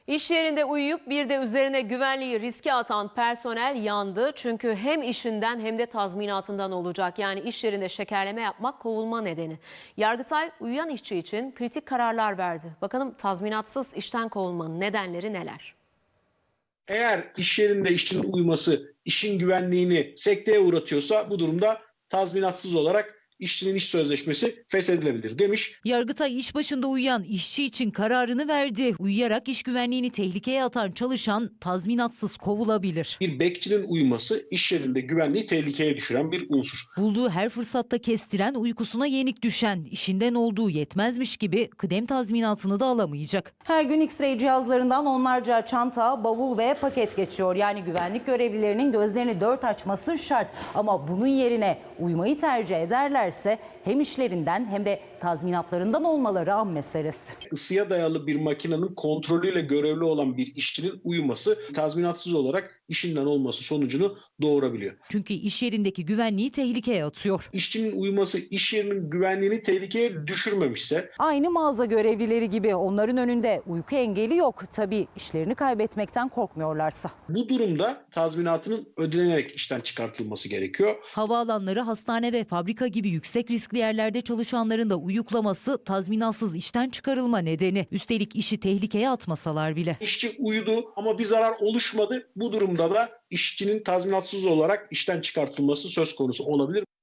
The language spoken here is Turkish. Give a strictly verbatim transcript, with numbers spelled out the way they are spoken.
İş yerinde uyuyup bir de üzerine güvenliği riske atan personel yandı. Çünkü hem işinden hem de tazminatından olacak. Yani iş yerinde şekerleme yapmak kovulma nedeni. Yargıtay uyuyan işçi için kritik kararlar verdi. Bakalım tazminatsız işten kovulmanın nedenleri neler? Eğer iş yerinde işçinin uyuması işin güvenliğini sekteye uğratıyorsa bu durumda tazminatsız olarak işçinin iş sözleşmesi feshedilebilir demiş. Yargıtay iş başında uyuyan işçi için kararını verdi. Uyuyarak iş güvenliğini tehlikeye atan çalışan tazminatsız kovulabilir. Bir bekçinin uyuması iş yerinde güvenliği tehlikeye düşüren bir unsur. Bulduğu her fırsatta kestiren, uykusuna yenik düşen, işinden olduğu yetmezmiş gibi kıdem tazminatını da alamayacak. Her gün X-ray cihazlarından onlarca çanta, bavul ve paket geçiyor. Yani güvenlik görevlilerinin gözlerini dört açması şart. Ama bunun yerine uyumayı tercih ederlerse hem işlerinden hem de tazminatlarından olmaları an meselesi. Isıya dayalı bir makinenin kontrolüyle görevli olan bir işçinin uyuması tazminatsız olarak işinden olması sonucunu doğurabiliyor. Çünkü iş yerindeki güvenliği tehlikeye atıyor. İşçinin uyuması iş yerinin güvenliğini tehlikeye düşürmemişse, Aynı mağaza görevlileri gibi onların önünde uyku engeli yok. Tabii işlerini kaybetmekten korkmuyorlarsa. bu durumda tazminatının ödenerek işten çıkartılması gerekiyor. Havaalanları, hastane ve fabrika gibi yüksek riskli yerlerde çalışanların da uyuklaması tazminatsız işten çıkarılma nedeni. Üstelik işi tehlikeye atmasalar bile. İşçi uyudu ama bir zarar oluşmadı. Bu durumda da işçinin tazminatsız olarak işten çıkartılması söz konusu olabilir.